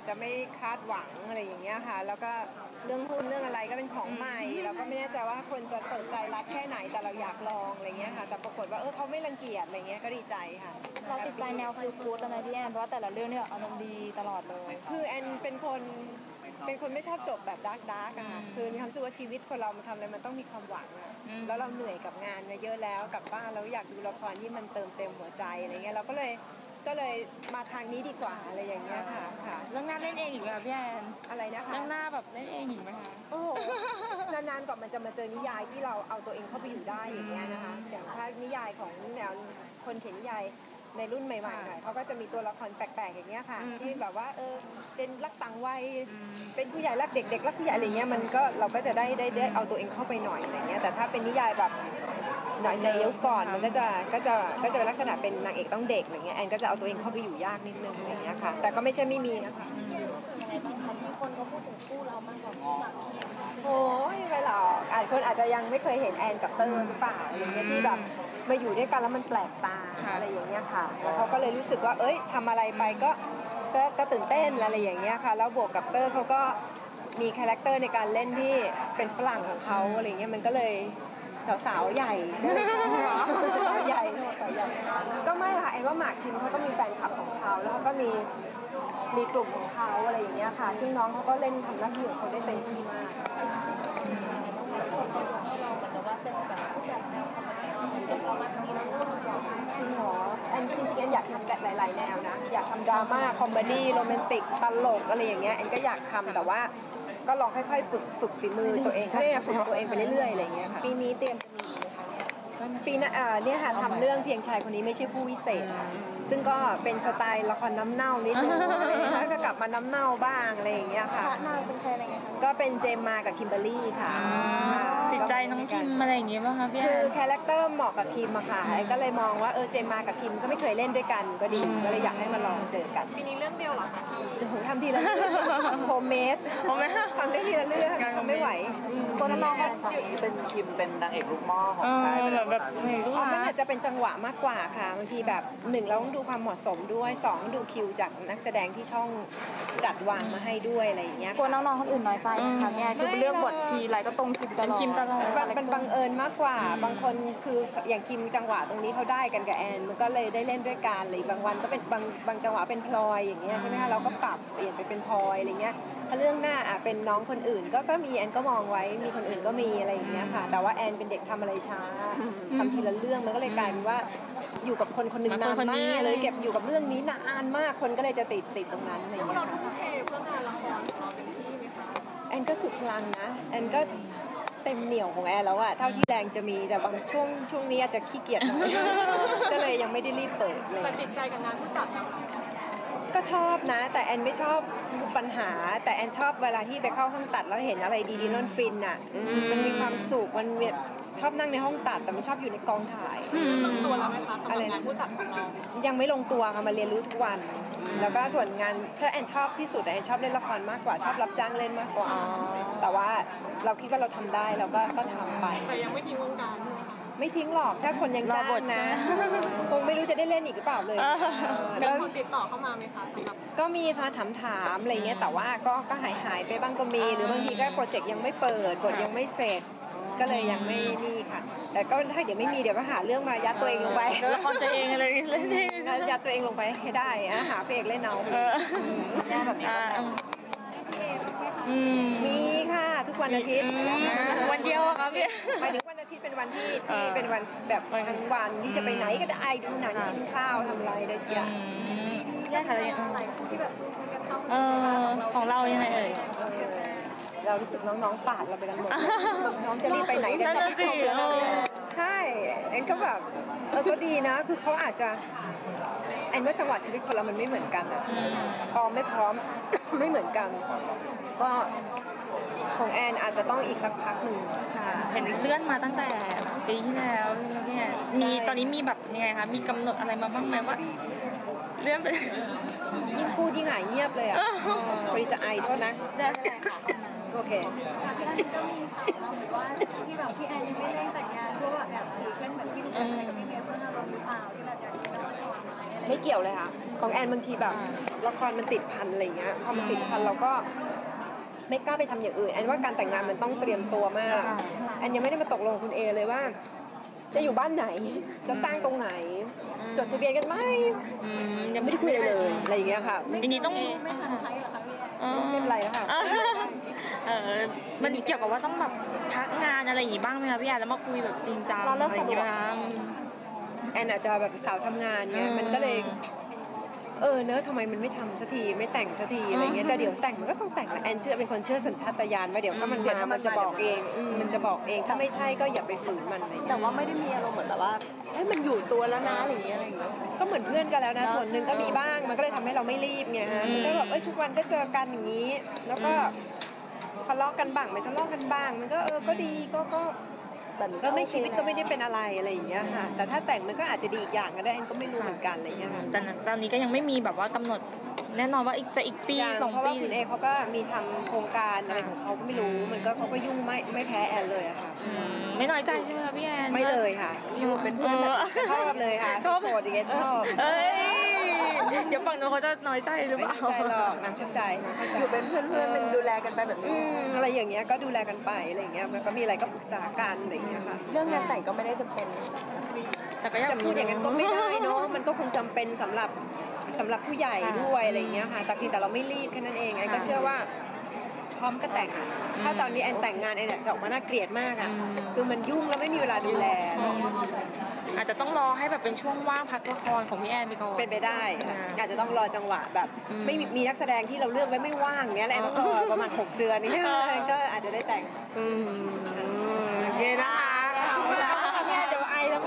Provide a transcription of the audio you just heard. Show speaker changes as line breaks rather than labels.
จจะไม่คาดหวังอะไรอย่างเงี้ยค่ะแล้วก็เรื่องหุ้นเรื่องอะไรก็เป็นของใหม่เราก็ไม่แน่ใจว่าคนจะเปิดใจรับแค่ไหนแต่เราอยากลองอะไรเงี้ยค่ะแต่ปรากฏว่าเขาไม่รังเกียจอะไรเงี้ยก็ดีใจค่ะ
เราติดใจแนวฟิลกู๊ดอะไรพี่แอนเพราะว่าแต่ละเรื่องเนี่ยอารมณ์ดีตลอดเลย
คือแอนเป็นคนไม่ชอบจบแบบดาร์กอะค่ะคือมีความรู้สึกว่าชีวิตคนเรามันทำอะไรมันต้องมีความหวังอะแล้วเราเหนื่อยกับงานเยอะแล้วกลับบ้านเราอยากดูละครที่มันเติมเต็มหัวใจอะไรเงี้ยเราก็เลยมาทางนี้ดีกว่าอะไรอย่างเงี้ยค่ะ
เรื่องหน้าเล่นเองอีกไหมพี่แอน
อะไรนะคะ
เรื่องหน้าแบบเล่นเองอีกไหมคะ
โอ้นานๆกว่ามันจะมาเจอนิยายที่เราเอาตัวเองเข้าไปอยู่ได้อย่างเงี้ยนะคะอย่างถ้านิยายของแนวคนเขียนนิยายในรุ่นใหม่ๆหน่อยเขาก็จะมีตัวละครแปลกๆอย่างเงี้ยค่ะที่แบบว่าเป็นรักต่างวัยเป็นผู้ใหญ่รักเด็กเด็กรักผู้ใหญ่อะไรเงี้ยมันก็เราก็จะได้เอาตัวเองเข้าไปหน่อยอะไรเงี้ยแต่ถ้าเป็นนิยายแบบหน่อยในยุคก่อนมันก็จะเป็นลักษณะเป็นนางเอกต้องเด็กอะไรเงี้ยแอนก็จะเอาตัวเองเข้าไปอยู่ยากนิดนึงอะไรเงี้ยค่ะแต่ก็ไม่ใช่ไม่มีนะคะ
มีคนเขาพูดถึงคู่เรามากกว่าคู่หลัก
โอ้ยไม่หรอกคนอาจจะยังไม่เคยเห็นแอนกับเตอร์หรือเปล่าอย่างเงี้ยที่แบบมาอยู่ด้วยกันแล้วมันแปลกตาอะไรอย่างเงี้ยค่ะแล้วเขาก็เลยรู้สึกว่าทำอะไรไปก็ตื่นเต้นอะไรอย่างเงี้ยค่ะแล้วบวกกับเตอร์เขาก็มีคาแรคเตอร์ในการเล่นที่เป็นฝรั่งของเขาอะไรเงี้ยมันก็เลยสาวๆใหญ่ใหญ่ก็ไม่ค่ะแอนว่าหมากคิมเขาก็มีแฟนคลับของเขาแล้วก็มีกลุ่มของเขาอะไรอย่างเงี้ยค่ะซึ่งน้องเขาก็เล่นทำหน้าที่ของเขาได้เต็มที่มากจริงเหรอแอนจริงๆแอนอยากทำหลายๆแนวนะอยากทำดราม่าคอมเมดี้โรแมนติกตลกอะไรอย่างเงี้ยแอนก็อยากทำแต่ว่าก็ลองค่อยๆฝึกฝีมือตัวเองฝึกตัวเองไปเรื่อยๆอะไรอย่างเงี้ยค่ะปีนี้เตรียมจะมีปีหน้าเนี่ยค่ะทำเรื่องเพียงชายคนนี้ไม่ใช่ผู้วิเศษซึ่งก็เป็นสไตล์ละครน้ำเน่านิดนึงแล้วก็กลับมาน้ำเน่าบ้างอะไรอย่างเงี้ยค่ะ
นางเป็นใครอะไรไงคะ
ก็เป็นเจมมากับคิมเบอร์รี่ค่ะ
ติดใจน้องคิมอะไรอย่างเงี้ยป่ะคะพี่
คือคาแรคเตอร์เหมาะกับคิมอะค่ะก็เลยมองว่าเจมมากับคิมก็ไม่เคยเล่นด้วยกันก็ดีก็เลยอยากให้มาลองเจอกัน
ปีนี้เรื่องเดียวเหรอคะ
ทำทีละเรื่องโฮมเมดทำได้ทีละเรื่องทำไม่ไหว
ตัวน้อง
เป็นคิมเป็นนางเอกลูกหม้อของใคร
แบบ
มันอาจจะเป็นจังหวะมากกว่าค่ะบางทีแบบ1เราต้องดูความเหมาะสมด้วย2ดูคิวจากนักแสดงที่ช่องจัดวางมาให้ด้วยอะไรอย่างเงี้ย
กลัวน้องๆคนอื่นน้อยใจนะคะเนี่ยคือเลือกบททีไรก็ตรงคิมตลอด
มันบังเอิญมากกว่าบางคนคืออย่างคิมจังหวะตรงนี้เขาได้กันกับแอนมันก็เลยได้เล่นด้วยกันเลยบางวันก็เป็นบางจังหวะเป็นพลอยอย่างเงี้ยใช่ไหมคะเราก็ปรับเปลี่ยนไปเป็นพลอยอะไรเงี้ยถ้าเรื่องหน้าเป็นน้องคนอื่นก็มีแอนก็มองไว้มีคนอื่นก็มีอะไรอย่างเงี้ยค่ะแต่ว่าแอนเป็นเด็กทำอะไรช้าทำทีละเรื่องมันก็เลยกลายเป็นว่าอยู่กับคนหนึ่งนานมากเลยเก็บอยู่กับเรื่องนี้นานมากคนก็เลยจะติดตรงนั้นอะไรอย่างเงี้ยค่ะ
เพื่องานละครเราเป็นที่ไหมคะ
แอนก็สุดพลังนะแอนก็เต็มเหนี่ยวของแอนแล้วอะเท่าที่แรงจะมีแต่บางช่วงนี้อาจจะขี้เกียจหน่อยก็เลยยังไม่ได้รีบเปิดเลย
แต่ติดใจกับงานผู้จัดนะ
ก็ชอบนะแต่แอนไม่ชอบปัญหาแต่แอนชอบเวลาที่ไปเข้าห้องตัดแล้วเห็นอะไรดีๆนั่นฟินอะมันมีความสุขมันชอบนั่งในห้องตัดแต่ไม่ชอบอยู่ในกองถ่าย
ลงตัวแล้วไหมคะกับงานผู้จัดของเรา
ยังไม่ลงตัวค่ะมาเรียนรู้ทุกวันแล้วก็ส่วนงานถ้าแอนชอบที่สุดแอนชอบเล่นละครมากกว่าชอบรับจ้างเล่นมากกว่าแต่ว่าเราคิดว่าเราทำได้เราก็ทำไป
แต่ยังไม่ทิ้งวงการ
ไม่ทิ้งหรอกถ้าคนยังจ้างนะคงไม่รู้จะได้เล่นอีกหรือเปล่าเลย
แล้วคนติดต่อเข้ามาไหมคะสำหรับ
ก็มีค่ะถามอะไรเงี้ยแต่ว่าก็หายไปบ้างก็มีหรือบางทีก็โปรเจกต์ยังไม่เปิดบทยังไม่เสร็จก็เลยยังไม่นี่ค่ะแต่ก็ถ้าเดี๋ยวไม่มีเดี๋ยวก็หาเรื่องมายัดตัวเองลงไป
ละครตัวเองอะไรเล่น
ยัดตัวเองลงไปให้ได้หาเพลงเล่นเอา
แง่แบบนี้
มีค่ะทุกวันอาทิตย์
วันเดียวครับพี่
หมายถึงวันอาทิตย์เป็นวันที่เป็นวันแบบทั้งวันที่จะไปไหนก็ได้ดูหนังกินข้าวทำอะไรได้ทุกอย่าง
แยกอะไรที่แบบของเรายังไง
เรารู้สึกน้องๆปาดเราไปกันหมดน้องจะรีบไปไหนเดี๋ยวจะไปชมแล้วใช่แอนก็แบบก็ดีนะคือเขาอาจจะแอนว่าจังหวะชีวิตคนเรามันไม่เหมือนกันอะพร้อมไม่พร้อมไม่เหมือนกันก็ของแอนอาจจะต้องอีกสักพักหนึ่ง
ค่ะเห็นเลื่อนมาตั้งแต่ปีที่แล้วเนี่ยมีตอนนี้มีแบบยังไงคะมีกำหนดอะไรมาบ้างไหมว่าเลื่อนไป
ยิ่งพูดยิ่งหายเงียบเลยอ่ะพอดีจะไอโทษนะ
ได้ค่ะ
โอเค
พี่แอนก็มีข่าวมาเหมือนว่าที่แบบพี่แอนยังไม่ได้แต่งงานเพราะว่าแบบถือเป็นเหมือนที่รู้จักกับพี่เมย์เพื่อนเราหรือเปล่าที่แบบอยากจะได้
ไม่เกี่ยวเลยค่ะของแอนบางทีแบบละครมันติดพันอะไรเงี้ยพอมันติดพันเราก็ไม่กล้าไปทำอย่างอื่นแอนว่าการแต่งงานมันต้องเตรียมตัวมากแอนยังไม่ได้มาตกลงคุณเอเลยว่า จะอยู่บ้านไหนจะตั้งตรงไหนจดทะเบียนกันไหมยังไม่ได้คุยเลยอะไรอย่างเงี้ยค่ะ
ทีนี้ต้อง
ไม่ทันใช้เหรอคะพี่แอน
ไม่เป็นไรแล้วค่ะ
มันเกี่ยวกับว่าต้องแบบพักงานอะไรอย่างงี้บ้างไหมคะพี่แอนแล้วมาคุยแบบจริงจังอะไรอย่างงี้บ้าง
แอนอาจจะแบบสาวทำงานเงี้ยมันก็เลยเนอะทำไมมันไม่ทำสักทีไม่แต่งสักทีอะไรเงี้ยแต่เดี๋ยวแต่งมันก็ต้องแต่งแหละแอนเชื่อเป็นคนเชื่อสัญชาตญาณว่าเดี๋ยวถ้ามันมามันจะบอกเองมันจะบอกเองถ้าไม่ใช่ก็อย่าไปฝืนมันอะไรเงี้ย
แต่ว่าไม่ได้มีอารมณ์เหมือนแบบว่าให้มันอยู่ตัวแล้วนะอะไรอย่างเงี้ย
ก็เหมือนเพื่อนกันแล้วนะส่วนหนึ่งก็มีบ้างมันก็เลยทำให้เราไม่รีบไงฮะมันก็แบบทุกวันก็เจอกันอย่างนี้ แล้วก็ทะเลาะกันบ้างไม่ทะเลาะกันบ้างมันก็ก็ดีก็แบบก็ไม่ชีวิตก็ไม่ได้เป็นอะไรอย่างเงี้ยค่ะแต่ถ้าแต่งมันก็อาจจะดีอีกอย่างก็ได้แอนก็ไม่รู้เหมือนกันอะไรเงี้ยค่ะ
แต่ตอนนี้ก็ยังไม่มีแบบว่ากำหนดแน่นอนว่าอีกปี
อย่าง
2
เพราะ
ปี
ว่าคุณเอเขาก็มีทำโครงการอะไรของเขาก็ไม่รู้มันก็เขาก็ยุ่งไม่แพ้แอนเลยอะค่ะ
ไม่น้อยใจใช่ไหมคะพี่แอน
ไม่เลยค่ะอยู่เป็นเพื่อนแบบชอบเลยค่ะโสดอย่างเงี้ยชอบ
เอ้ยเดี๋ยวฝั่งนู้นเขาจะน้อยใจหรือ
ไม่
เปล่า
เข้าใจหรอกนางเข้าใจ
อยู่เป็นเพื่อนๆเป็นดูแลกันไปแบบนี้
อะไรอย่างเงี้ยก็ดูแลกันไปอะไรอย่างเงี้ยมันก็มีอะไรก็ปรึกษากันอะไรอย่างเงี้ยค่ะ
เรื่องงานแต่งก็ไม่ได้จำเป็น
แต่ก็ยัง
จะพูดอย่างนั้นก็ไม่ได้เนาะมันก็คงจำเป็นสำหรับผู้ใหญ่ด้วยอะไรอย่างเงี้ยค่ะแต่เพียงแต่เราไม่รีบแค่นั้นเองไอ้ก็เชื่อว่าพร้อมก็แต่งอะถ้าตอนนี้แอนแต่งงานแอนจะออกมาน่าเกลียดมากอ่ะคือมันยุ่งแล้วไม่มีเวลาดูแล
อาจจะต้องรอให้แบบเป็นช่วงว่างพักละครของพี่แอนไปก่อน
เป็นไปได้ค่ะอาจจะต้องรอจังหวะแบบไม่มีนักแสดงที่เราเลือกไว้ไม่ว่างเงี้ยแหละต้องรอประมาณ6 เดือนนี้ก็อาจจะได้แต่ง
โอเคนะคะ